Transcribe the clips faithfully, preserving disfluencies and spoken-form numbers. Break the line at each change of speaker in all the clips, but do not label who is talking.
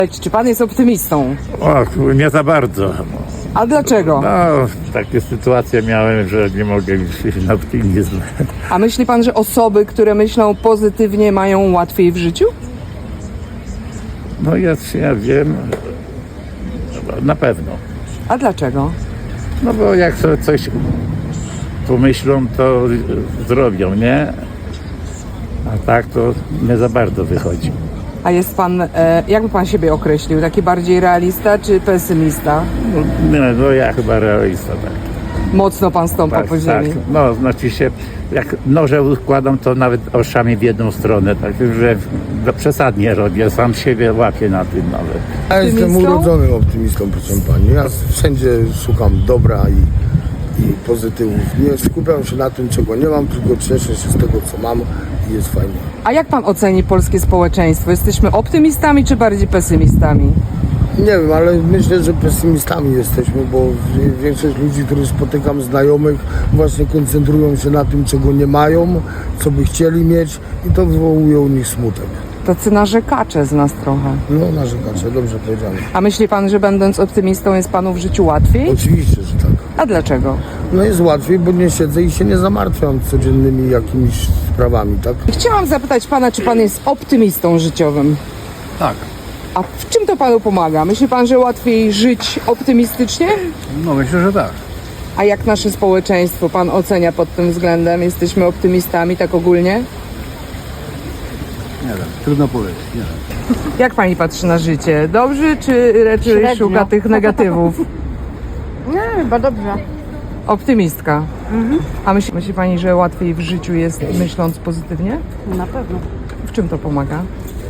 Czy pan jest optymistą?
O, nie za bardzo.
A dlaczego?
No, takie sytuacje miałem, że nie mogę iść na optymizm.
A myśli pan, że osoby, które myślą pozytywnie, mają łatwiej w życiu?
No jest, ja wiem, na pewno.
A dlaczego?
No bo jak sobie coś pomyślą, to zrobią, nie? A tak to nie za bardzo wychodzi.
A jest pan, e, jakby pan siebie określił? Taki bardziej realista czy pesymista?
No, nie, no ja chyba realista, tak.
Mocno pan stąpa
Tak,
po
tak.
ziemi.
No, znaczy się, jak noże układam, to nawet oszami w jedną stronę, tak, że no, przesadnie robię, sam siebie łapię na tym nawet.
Ja jestem
Optymistą?
urodzonym optymistą, proszę pani. Ja wszędzie szukam dobra i, i pozytywów. Nie skupiam się na tym, czego nie mam, tylko cieszę się z tego, co mam i jest fajnie.
A jak pan oceni polskie społeczeństwo? Jesteśmy optymistami czy bardziej pesymistami?
Nie wiem, ale myślę, że pesymistami jesteśmy, bo w- większość ludzi, których spotykam, znajomych, właśnie koncentrują się na tym, czego nie mają, co by chcieli mieć i to wywołuje u nich smutek.
Tacy narzekacze z nas trochę.
No, narzekacze, dobrze powiedziane.
A myśli pan, że będąc optymistą jest panu w życiu łatwiej?
Oczywiście, że tak.
A dlaczego?
No jest łatwiej, bo nie siedzę i się nie zamartwiam codziennymi jakimiś sprawami, tak?
Chciałam zapytać pana, czy pan jest optymistą życiowym?
Tak,
A w czym to panu pomaga? Myśli pan, że łatwiej żyć optymistycznie?
no myślę, że tak.
A jak nasze społeczeństwo pan ocenia pod tym względem? Jesteśmy optymistami tak ogólnie?
Nie wiem, trudno powiedzieć, nie wiem.
Jak pani patrzy na życie? Dobrze, czy raczej
Średnio.
szuka tych negatywów?
Nie, chyba dobrze.
Optymistka. A myśli, myśli pani, że łatwiej w życiu jest myśląc pozytywnie?
Na pewno.
W czym to pomaga?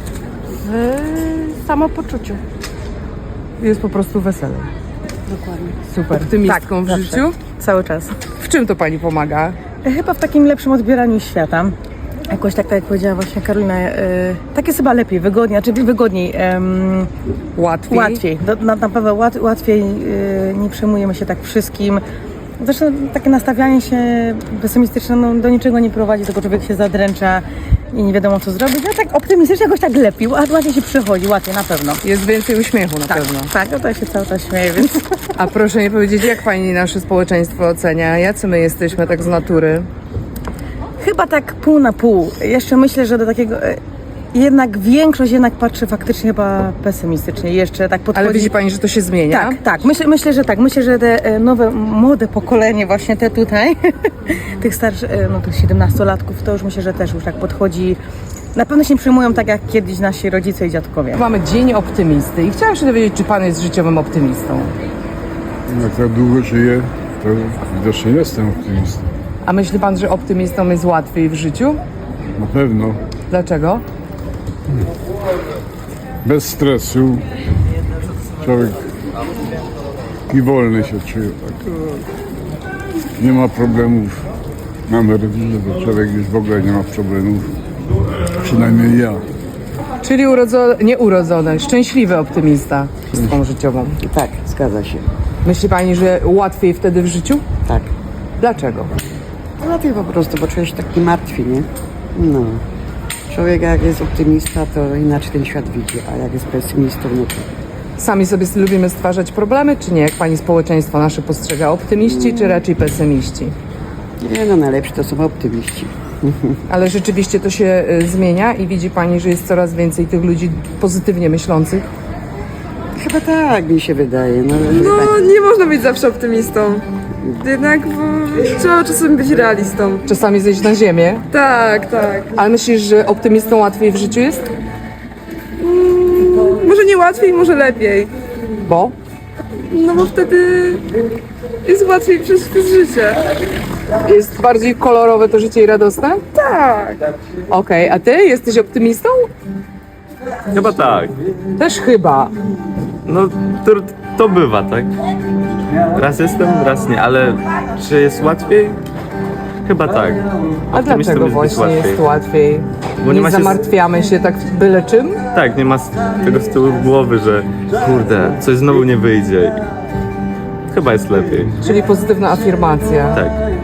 W samopoczuciu.
Jest po prostu weselej.
Dokładnie.
Super. Optymistką w
zawsze.
życiu?
Cały czas.
W czym to pani pomaga?
Chyba w takim lepszym odbieraniu świata. Jakoś tak, tak jak powiedziała właśnie Karolina, e, tak jest chyba lepiej, wygodniej, znaczy wygodniej, em,
Łatwiej?
łatwiej. Do, na, naprawdę łat, łatwiej, e, nie przejmujemy się tak wszystkim. Zresztą takie nastawianie się pesymistyczne no, do niczego nie prowadzi, tylko człowiek się zadręcza i nie wiadomo co zrobić. No tak optymistycznie jakoś tak lepiej, łat- łatwiej się przychodzi, łatwiej na pewno.
Jest więcej uśmiechu na
Tak,
pewno.
tak, no to ja się cały czas śmieję, więc...
A proszę mi powiedzieć, jak pani nasze społeczeństwo ocenia? Jacy my jesteśmy tak z natury?
Chyba tak pół na pół. Jeszcze myślę, że do takiego... e, Jednak większość jednak patrzy faktycznie chyba pesymistycznie. Jeszcze tak podchodzi...
Ale widzi pani, że to się zmienia?
Tak, tak. Myślę, myślę, że tak. Myślę, że te e, nowe, młode pokolenie, właśnie te tutaj, tych starszych, e, no tych siedemnastolatków, to już myślę, że też już tak podchodzi. Na pewno się nie przyjmują tak jak kiedyś nasi rodzice i dziadkowie.
Mamy Dzień Optymisty i chciałam się dowiedzieć, czy pan jest życiowym optymistą?
Jak tak długo żyję, to widocznie jestem optymistą.
A myśli pan, że optymistą jest łatwiej w życiu?
Na pewno.
Dlaczego?
Bez stresu. Człowiek i wolny się czuje. Tak. Nie ma problemów. Mamy rodzinę, to człowiek już w ogóle nie ma problemów. Przynajmniej ja.
Czyli urodzo- nieurodzony, szczęśliwy optymista z tą życiową.
Tak, zgadza się.
Myśli pani, że łatwiej wtedy w życiu?
Tak.
Dlaczego?
Łatwiej po prostu, bo człowiek się tak nie martwi, nie? No. Człowiek jak jest optymista, to inaczej ten świat widzi, a jak jest pesymistą, no to
Sami sobie lubimy stwarzać problemy, czy nie? Jak pani społeczeństwo nasze postrzega? Optymiści, czy raczej pesymiści?
nie no, najlepsi to są optymiści.
Ale rzeczywiście to się y, zmienia i widzi pani, że jest coraz więcej tych ludzi pozytywnie myślących?
Chyba tak mi się wydaje. No,
No, nie można być zawsze optymistą. Jednak bo, trzeba czasem być realistą.
Czasami zejść na ziemię.
Tak, tak.
Ale myślisz, że optymistą łatwiej w życiu jest?
Może nie łatwiej, może lepiej.
Bo?
No bo wtedy jest łatwiej przez, przez życie.
Jest bardziej kolorowe to życie i radosne?
Tak.
Okej, a ty jesteś optymistą?
Chyba tak.
Też chyba.
No to, to bywa, tak? Raz jestem, raz nie, ale czy jest łatwiej? Chyba tak.
A
Optymistą
dlaczego
jest być
właśnie jest łatwiej?
Bo
nie
nie ma się z-
zamartwiamy się tak byle czym?
Tak, nie ma z tego z tyłu głowy, że kurde, coś znowu nie wyjdzie. Chyba jest lepiej.
Czyli pozytywna afirmacja.
Tak.